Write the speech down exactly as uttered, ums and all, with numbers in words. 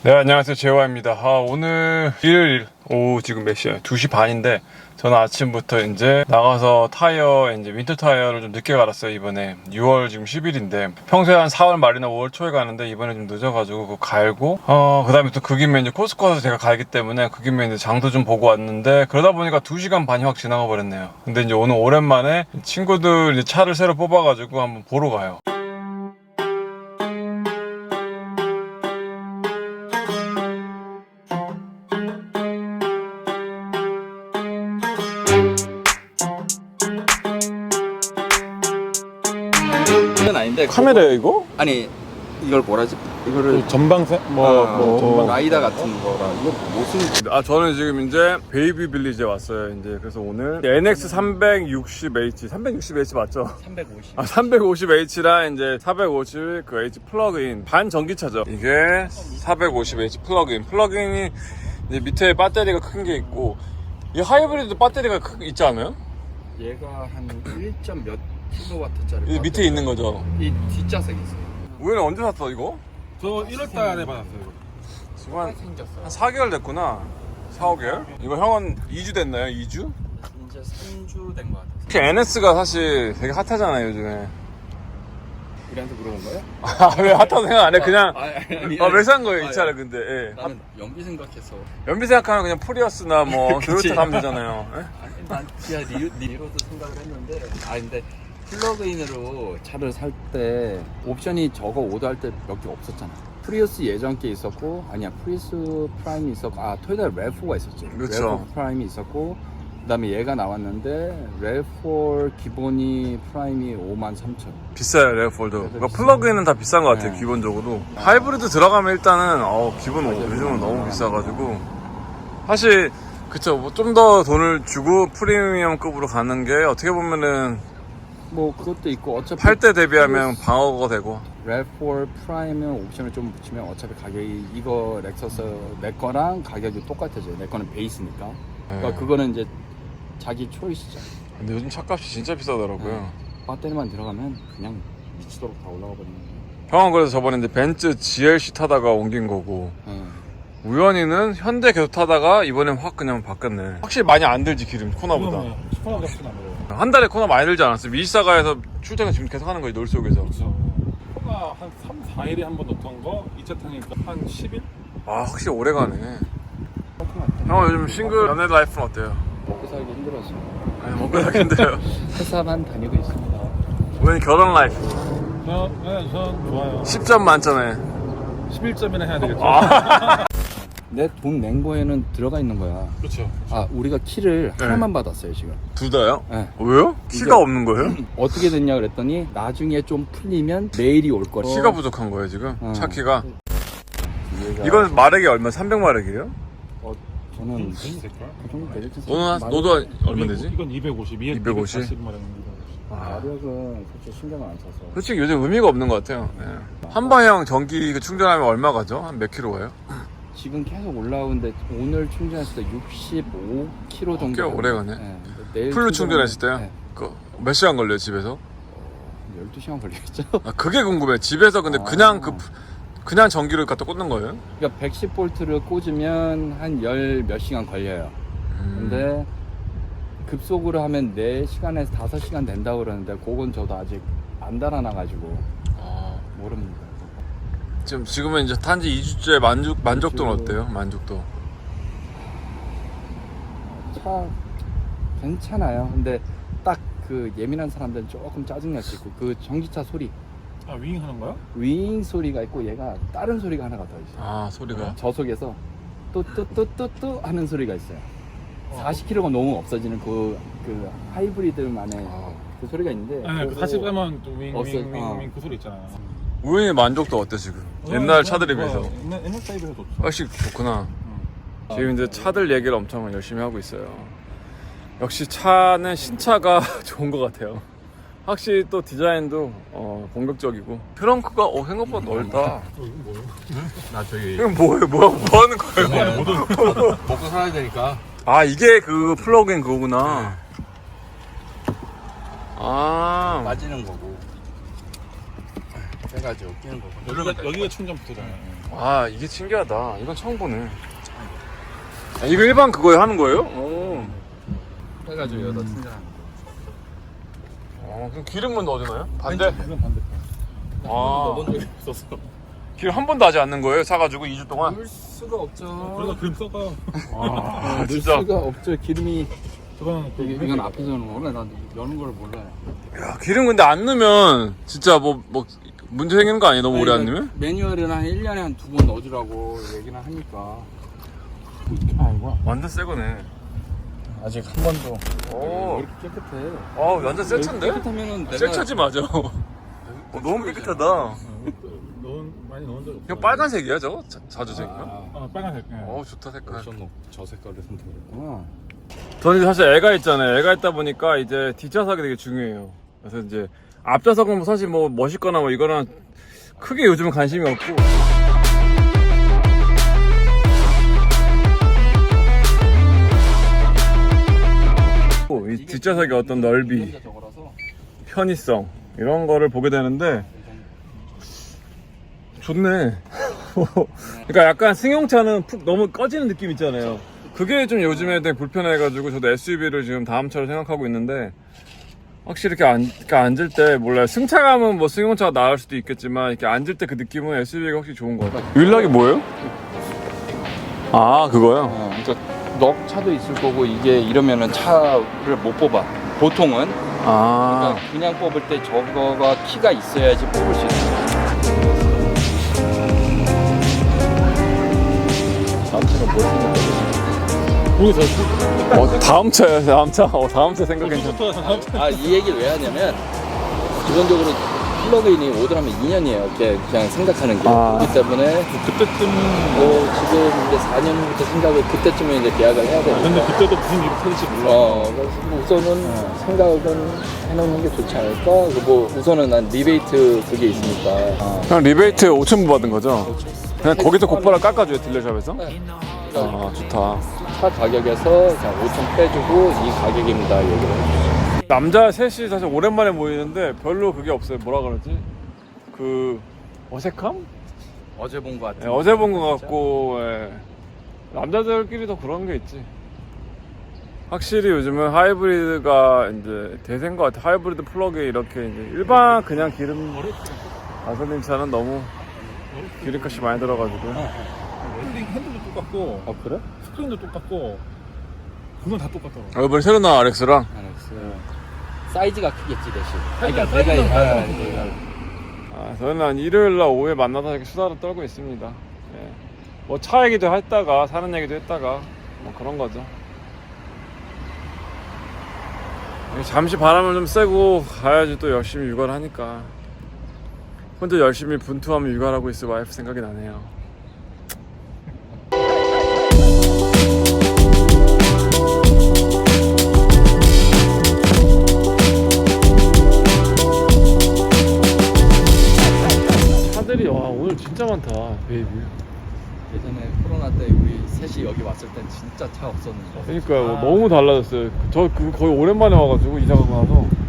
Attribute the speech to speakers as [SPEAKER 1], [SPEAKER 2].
[SPEAKER 1] 네, 안녕하세요. 재화입니다. 아, 오늘 일요일 오후 지금 몇 시야? 두 시 반인데 저는 아침부터 이제 나가서 타이어, 이제 윈터 타이어를 좀 늦게 갈았어요. 이번에 유월 지금 십 일인데 평소에 한 사월 말이나 오월 초에 가는데 이번에 좀 늦어가지고 그거 갈고 어, 그 다음에 또 그 김에 이제 코스코 가서 제가 갈기 때문에 그 김에 이제 장도 좀 보고 왔는데 그러다 보니까 두 시간 반이 확 지나가 버렸네요. 근데 이제 오늘 오랜만에 친구들 이제 차를 새로 뽑아가지고 한번 보러 가요.
[SPEAKER 2] 이건 아닌데
[SPEAKER 1] 카메라예요, 이거?
[SPEAKER 2] 아니 이걸 뭐라지? 이거를
[SPEAKER 3] 전방세 뭐,
[SPEAKER 2] 아,
[SPEAKER 3] 뭐 전방
[SPEAKER 2] 라이다 같은 거라 이거 무슨
[SPEAKER 1] 아, 저는 지금 이제 베이비 빌리지에 왔어요. 이제 그래서 오늘 엔엑스 삼백육십 에이치, 삼백육십 에이치 맞죠?
[SPEAKER 2] 삼백오십
[SPEAKER 1] 아, 삼백오십 에이치랑 이제 사백오십 그 H 플러그인 반전기차죠. 이게 사백오십 에이치 플러그인. 플러그인이 이제 밑에 배터리가 큰 게 있고 이 하이브리드 배터리가 크, 있지 않아요?
[SPEAKER 2] 얘가 한 일 점 몇 킬로와트짜리
[SPEAKER 1] 이 밑에 있는 거죠.
[SPEAKER 2] 이 뒷좌석이 있어요.
[SPEAKER 1] 우연히 언제 샀어 이거?
[SPEAKER 3] 저 일월 달에 받았어요.
[SPEAKER 1] 지금 한,
[SPEAKER 2] 생겼어요.
[SPEAKER 1] 한 사 개월 됐구나. 사, 오 개월? 이거 형은 이 주 됐나요? 이 주?
[SPEAKER 2] 이제 삼 주 된 거 같아요.
[SPEAKER 1] 특히 엔에스가 사실 되게 핫하잖아요 요즘에.
[SPEAKER 2] 우리한테 물어본 거예요?
[SPEAKER 1] 아, 왜 핫하다고 생각 안 해? 그냥
[SPEAKER 2] 아, 아니, 아니,
[SPEAKER 1] 아, 왜 산 거예요,
[SPEAKER 2] 아니,
[SPEAKER 1] 이 차를 근데? 예.
[SPEAKER 2] 나는 연비 생각해서.
[SPEAKER 1] 연비 생각하면 그냥 프리어스나 뭐
[SPEAKER 2] 그치.
[SPEAKER 1] 도요타 가면 되잖아요. 예?
[SPEAKER 2] 아니, 난 그냥 리, 리로도 생각을 했는데, 아 근데 플러그인으로 차를 살 때 옵션이 저거 오더할 때 몇 개 없었잖아. 프리우스 예전 게 있었고, 아니야 프리우스 프라임이 있었고, 아 토요타 래프가 있었지.
[SPEAKER 1] 그렇죠.
[SPEAKER 2] 래프 프라임이 있었고, 그다음에 얘가 나왔는데 래프 기본이 프라임이 오만 삼천 원.
[SPEAKER 1] 비싸요, 레어폴도. 그러니까 플러그인은 다 비싼 것 같아요,
[SPEAKER 2] 네.
[SPEAKER 1] 기본적으로. 하이브리드 들어가면 일단은 어, 기본
[SPEAKER 2] 맞아요.
[SPEAKER 1] 요즘은 너무 비싸가지고. 사실 그쵸, 뭐 좀 더 돈을 주고 프리미엄급으로 가는 게 어떻게 보면은
[SPEAKER 2] 뭐 그것도 있고 어차피
[SPEAKER 1] 팔 대 대비하면 방어가 되고.
[SPEAKER 2] 래프 프라임은 옵션을 좀 붙이면 어차피 가격이 이거 렉서스 내 거랑 가격이 똑같아져요. 내 거는 베이스니까. 그러니까
[SPEAKER 1] 네.
[SPEAKER 2] 그거는 이제 자기 초이스죠.
[SPEAKER 1] 근데 요즘 차값이 진짜 비싸더라고요.
[SPEAKER 2] 배터리만 들어가면 그냥 미치도록 다 올라가 버리는 거예요.
[SPEAKER 1] 형은 그래서 저번에 이제 벤츠 지엘씨 타다가 옮긴 거고.
[SPEAKER 2] 네.
[SPEAKER 1] 우연히는 현대 계속 타다가 이번엔 확 그냥 바뀌었네. 확실히 많이 안 들지 기름 코나보다.
[SPEAKER 3] 시원하게 훨씬 안 먹어요.
[SPEAKER 1] 한 달에 코나 많이 들지 않았어요? 미시사가에서 출퇴근 지금 계속 하는 거지 놀 속에서.
[SPEAKER 3] 그렇죠. 코가 한 삼, 사 일에 한 번 넣던 거 이 차 타니까 한 십 일?
[SPEAKER 1] 아 확실히 오래 가네. 형 요즘 싱글 연애 라이프는 어때요?
[SPEAKER 2] 먹고 살기 힘들어서
[SPEAKER 1] 아니, 먹고 살기 힘들어요.
[SPEAKER 2] 회사만 다니고 있습니다.
[SPEAKER 1] 우연히 결혼 라이프
[SPEAKER 3] 저, 네, 전 좋아요.
[SPEAKER 1] 십 점 만점에.
[SPEAKER 3] 십일 점이나 해야 되겠죠.
[SPEAKER 2] 내 돈 낸 거에는 들어가 있는 거야.
[SPEAKER 3] 그렇죠.
[SPEAKER 2] 아 우리가 키를
[SPEAKER 1] 네.
[SPEAKER 2] 하나만 받았어요 지금.
[SPEAKER 1] 둘 다요?
[SPEAKER 2] 네.
[SPEAKER 1] 왜요? 키가
[SPEAKER 2] 이게-
[SPEAKER 1] 없는 거예요?
[SPEAKER 2] 어떻게 됐냐 그랬더니 나중에 좀 풀리면 내일이 올 거래.
[SPEAKER 1] 키가 부족한 거예요 지금?
[SPEAKER 2] 어.
[SPEAKER 1] 차 키가?
[SPEAKER 2] 얘가-
[SPEAKER 1] 이건 마력이 얼마? 삼백 마력이에요?
[SPEAKER 2] 어, 저는
[SPEAKER 3] 있을걸?
[SPEAKER 2] 그 정도 되겠지.
[SPEAKER 1] 너는 한- 너도 얼마 되지?
[SPEAKER 3] 이건 이백오십, 이게
[SPEAKER 1] 이백오십?
[SPEAKER 3] 이백사십 마력 이백오십.
[SPEAKER 2] 마력은 그렇게 신경을 안 써서.
[SPEAKER 1] 솔직히 요즘 의미가 없는 것 같아요. 예. 한 방향 전기 그 충전하면 얼마 가죠? 한 몇 킬로 가요?
[SPEAKER 2] 지금 계속 올라오는데 오늘 충전했을 때 육십오 킬로미터 정도.
[SPEAKER 1] 꽤 오래 가네.
[SPEAKER 2] 네. 내일
[SPEAKER 1] 풀로
[SPEAKER 2] 충전하면-
[SPEAKER 1] 충전했을 때요?
[SPEAKER 2] 네.
[SPEAKER 1] 그 몇 시간 걸려요 집에서?
[SPEAKER 2] 열두 시간 걸리겠죠.
[SPEAKER 1] 아, 그게 궁금해. 집에서 근데
[SPEAKER 2] 아.
[SPEAKER 1] 그냥 그 그냥 전기를 갖다 꽂는 거예요?
[SPEAKER 2] 그러니까 백십 볼트를 꽂으면 한 열 몇 시간 걸려요.
[SPEAKER 1] 음.
[SPEAKER 2] 근데 급속으로 하면 네 시간에서 다섯 시간 된다고 그러는데 그건 저도 아직 안 달아놔가지고
[SPEAKER 1] 아,
[SPEAKER 2] 모릅니다.
[SPEAKER 1] 지금 지금은 이제 탄지 이 주째 만족 만족도는
[SPEAKER 2] 이 주.
[SPEAKER 1] 어때요? 만족도.
[SPEAKER 2] 차 괜찮아요. 근데 딱 그 예민한 사람들은 조금 짜증날 수 있고 그 전기차 소리
[SPEAKER 3] 아, 윙 하는 거야?
[SPEAKER 2] 윙 소리가 있고 얘가 다른 소리가 하나가 더 있어요.
[SPEAKER 1] 아 소리가.
[SPEAKER 2] 저속에서 뚜뚜뚜뚜뚜 하는 소리가 있어요. 사십 킬로미터가 너무 없어지는 그, 그 하이브리드만의
[SPEAKER 1] 아.
[SPEAKER 2] 그 소리가 있는데
[SPEAKER 3] 네, 그
[SPEAKER 2] 그거
[SPEAKER 3] 사십 빼면 또 윙,
[SPEAKER 2] 없어요.
[SPEAKER 3] 윙, 윙,
[SPEAKER 2] 어.
[SPEAKER 3] 윙 그 소리 있잖아요.
[SPEAKER 1] 우연히 만족도 어때 지금? 옛날 차들에 비해서
[SPEAKER 3] 옛날, 옛날 차에 비해서 좋죠.
[SPEAKER 1] 훨씬 좋구나. 지금 이제 차들 얘기를 엄청 열심히 하고 있어요. 역시 차는 신차가 좋은 것 같아요. 확실히 또 디자인도 어, 공격적이고 트렁크가 어, 생각보다 넓다.
[SPEAKER 3] 어, 이건 뭐예요?
[SPEAKER 2] 나 저기
[SPEAKER 1] 이건 뭐예요? 뭐, 뭐 하는 거예요?
[SPEAKER 2] 먹고 살아야 되니까
[SPEAKER 1] 아 이게 그 플러그인 그거구나. 아
[SPEAKER 2] 빠지는 거고 해가지고 끼는 거고
[SPEAKER 3] 여기가, 여기가 충전 부터잖아요.
[SPEAKER 1] 아 이게 신기하다. 이건 처음 보네. 아, 이거 일반 그거에 하는 거예요? 오.
[SPEAKER 2] 해가지고 여기다 충전하는 거.
[SPEAKER 1] 어, 그럼 기름은 어디 넣어요? 반대?
[SPEAKER 3] 이건 반대편.
[SPEAKER 1] 아.
[SPEAKER 2] 넣어본 적이 없어서.
[SPEAKER 1] 기름 한 번도 하지 않는 거예요? 사가지고 이 주 동안?
[SPEAKER 2] 넣을 수가 없죠.
[SPEAKER 3] 그래서 기름 썩어요.
[SPEAKER 1] 아
[SPEAKER 2] 넣을
[SPEAKER 1] 진짜.
[SPEAKER 2] 수가 없죠. 기름이
[SPEAKER 3] 저거는 그
[SPEAKER 2] 이게, 이건 앞에서 여는 거구나. 난 여는 걸 몰라요.
[SPEAKER 1] 야, 기름 근데 안 넣으면 진짜 뭐, 뭐 문제 생기는 거 아니에요? 너무 오래 안 넣으면?
[SPEAKER 2] 매뉴얼에는 한 일 년에 한 두 번 넣어주라고 얘기는 하니까.
[SPEAKER 3] 아이고.
[SPEAKER 1] 완전 새 거네.
[SPEAKER 2] 아직 한 번도.
[SPEAKER 1] 오.
[SPEAKER 2] 이렇게 깨끗해.
[SPEAKER 1] 어, 완전 새 차인데?
[SPEAKER 2] 깨끗하면은 내가
[SPEAKER 1] 새 차지 맞아. 어, 너무 깨끗하다.
[SPEAKER 3] 넣은 많이 넣은 적 없어.
[SPEAKER 1] 이거 빨간색이야 저거? 자, 자주색인가?
[SPEAKER 2] 아,
[SPEAKER 3] 아 빨간색. 예.
[SPEAKER 1] 어 좋다 색깔.
[SPEAKER 2] 옵션 저 색깔을 선택했구나.
[SPEAKER 1] 저는 이제 사실 애가 있잖아요. 애가 있다 보니까 이제 뒷좌석이 되게 중요해요. 그래서 이제 앞좌석은 뭐 사실 뭐 멋있거나 뭐 이거는 크게 요즘은 관심이 없고. 이 뒷좌석의 어떤 넓이,
[SPEAKER 2] 저거라서
[SPEAKER 1] 편의성 이런 거를 보게 되는데 좋네. 그러니까 약간 승용차는 푹 너무 꺼지는 느낌 있잖아요. 그게 좀 요즘에 되게 불편해가지고 저도 에스유브이를 지금 다음 차로 생각하고 있는데 확실히 이렇게, 앉, 이렇게 앉을 때 몰라요. 승차감은 뭐 승용차가 나을 수도 있겠지만 이렇게 앉을 때 그 느낌은 에스유브이가 확실히 좋은 것 같아요. 윌락이 뭐예요? 아 그거요?
[SPEAKER 2] 어, 그러니까 넉 차도 있을 거고 이게 이러면은 차를 못 뽑아. 보통은
[SPEAKER 1] 아
[SPEAKER 2] 그러니까 그냥 뽑을 때 저거가 키가 있어야지 뽑을 수 있어요. 다음 차가 뭘 생각해?
[SPEAKER 3] 거기서
[SPEAKER 1] 어, 다음 차요 다음 차? 어, 다음 차 생각 괜찮아.
[SPEAKER 3] 또
[SPEAKER 2] 아, 이 얘기를 왜 하냐면 기본적으로 플러그인이 오더라면 이 년이에요. 이렇게 그냥 생각하는 게.
[SPEAKER 1] 아.
[SPEAKER 2] 그렇기 때문에
[SPEAKER 3] 그때쯤
[SPEAKER 2] 뭐 지금 이제 사 년부터 생각을 그때쯤에 이제 계약을 해야 되니까.
[SPEAKER 3] 근데 그때도 무슨 일이 터질지 몰라.
[SPEAKER 2] 어, 그래서 뭐 우선은 생각은 해놓는 게 좋지 않을까? 그리고 뭐 우선은 난 리베이트 그게 있으니까. 아.
[SPEAKER 1] 그냥 리베이트 오천 불 받은 거죠? 그냥 거기서 곧바로 깎아줘요 딜러샵에서?
[SPEAKER 2] 네.
[SPEAKER 1] 아 좋다.
[SPEAKER 2] 차 가격에서 그냥 오천 빼주고 이 가격입니다 얘기를 해주죠.
[SPEAKER 1] 남자 셋이 사실 오랜만에 모이는데 별로 그게 없어요. 뭐라 그러지? 그 어색함?
[SPEAKER 2] 어제 본 거 같은.
[SPEAKER 1] 예, 어제 본 것 같고 예. 남자들끼리도 그런 게 있지. 확실히 요즘은 하이브리드가 이제 대세인 것 같아. 하이브리드 플러그에 이렇게 이제 일반 그냥 기름 가솔린 차는 너무 기름값이 많이 들어가지고.
[SPEAKER 3] 핸들 핸들도 똑같고
[SPEAKER 2] 어 그래?
[SPEAKER 3] 스크린도 똑같고 그건 다 똑같더라고.
[SPEAKER 1] 아, 이번에 새로 나온 아렉스랑
[SPEAKER 2] 알았어. 사이즈가 크겠지 대신.
[SPEAKER 3] 사이즈가
[SPEAKER 2] 그러니까 내가
[SPEAKER 3] 사이즈는
[SPEAKER 2] 아,
[SPEAKER 3] 사이즈가
[SPEAKER 2] 내가
[SPEAKER 1] 아, 저는 한 일요일날 오후에 만나서 이렇게 수다를 떨고 있습니다. 예. 뭐 차 얘기도 했다가 사는 얘기도 했다가 뭐 그런 거죠. 잠시 바람을 좀 쐬고 가야지 또 열심히 육아를 하니까 혼자 열심히 분투하며 육아를 하고 있을 와이프 생각이 나네요. 차들이 와 오늘 진짜 많다 베이비.
[SPEAKER 2] 예전에 코로나 때 우리 셋이 여기 왔을 땐 진짜 차 없었는데.
[SPEAKER 1] 그러니까요 너무 달라졌어요. 저 그 거의 오랜만에 와가지고 이사 가고 나서